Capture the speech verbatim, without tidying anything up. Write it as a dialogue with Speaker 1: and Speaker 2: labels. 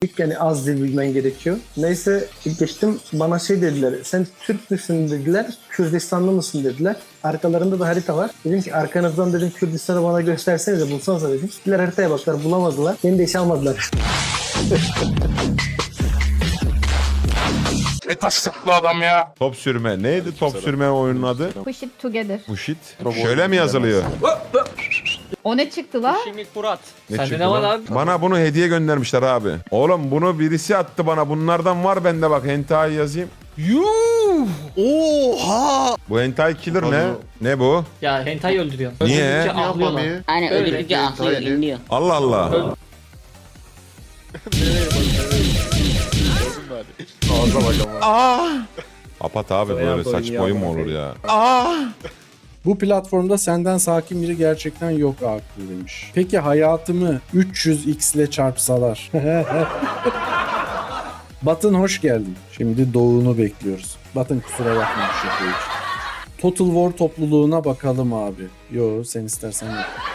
Speaker 1: Yani az dil bilmen gerekiyor. Neyse ilk geçtim, bana şey dediler, sen Türk müsün dediler, Kürdistanlı mısın dediler. Arkalarında da harita var. Dedim ki arkanızdan dedim Kürdistan'ı bana göstersenize, bulsanıza dedim. Gittiler haritaya baktılar, bulamadılar. Beni de işe almadılar.
Speaker 2: Ne taşlıklı adam ya.
Speaker 3: Top sürme. Neydi top sürme oyunun adı?
Speaker 4: Push it together.
Speaker 3: Push it. Şöyle mi yazılıyor?
Speaker 4: O ne çıktı la?
Speaker 5: Şimdi Murat.
Speaker 3: Ne
Speaker 5: Sende
Speaker 3: çıktı
Speaker 5: ne var
Speaker 3: lan?
Speaker 5: abi?
Speaker 3: Bana bunu hediye göndermişler abi. Oğlum bunu birisi attı bana. Bunlardan var bende, bak hentai yazayım.
Speaker 6: Yuh! Oha!
Speaker 3: Bu hentai killer ne? Ne bu?
Speaker 5: Ya hentai öldürüyor.
Speaker 3: Niye?
Speaker 5: Öldürdükçe ahlıyorlar.
Speaker 7: Mami.
Speaker 8: Aynen
Speaker 5: Öyle.
Speaker 8: öldürdükçe ahlıyor, inliyor.
Speaker 3: Allah Allah.
Speaker 6: Ağza bak ama.
Speaker 3: Kapat abi, böyle saçma oyun mu olur ya?
Speaker 9: Bu platformda senden sakin biri gerçekten yok aklı demiş. Peki hayatımı üç yüz x ile çarpsalar? Batın hoş geldin. Şimdi doğunu bekliyoruz. Batın kusura bakma bu şaka için. Total War topluluğuna bakalım abi. Yo, sen istersen yap.